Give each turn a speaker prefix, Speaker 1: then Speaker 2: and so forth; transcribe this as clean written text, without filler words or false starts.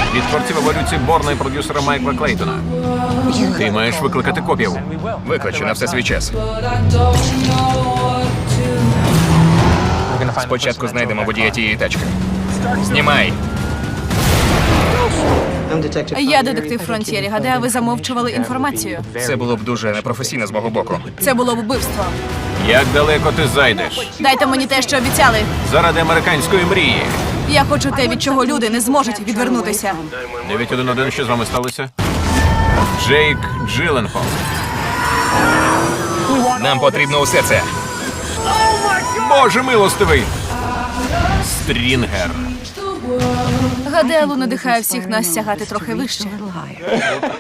Speaker 1: Від творців еволюції Борна і продюсера Майкла Клейтона. Ти маєш викликати копів.
Speaker 2: Викличу на все свій час. Спочатку знайдемо водія тієї тачки. Знімай!
Speaker 3: Я детектив Фронтєрі. Гадаю, ви замовчували інформацію.
Speaker 2: Це було б дуже непрофесійно з мого боку.
Speaker 3: Це було б вбивство.
Speaker 1: Як далеко ти зайдеш?
Speaker 3: Дайте мені те, що обіцяли.
Speaker 1: Заради американської мрії.
Speaker 3: Я хочу те, від чого люди не зможуть відвернутися.
Speaker 1: 911, що з вами сталося? Джейк Джилленхол.
Speaker 2: Нам потрібно усе це.
Speaker 1: Боже милостивий! Стрінгер.
Speaker 3: Гадаю, надихає всіх нас сягати трохи вище.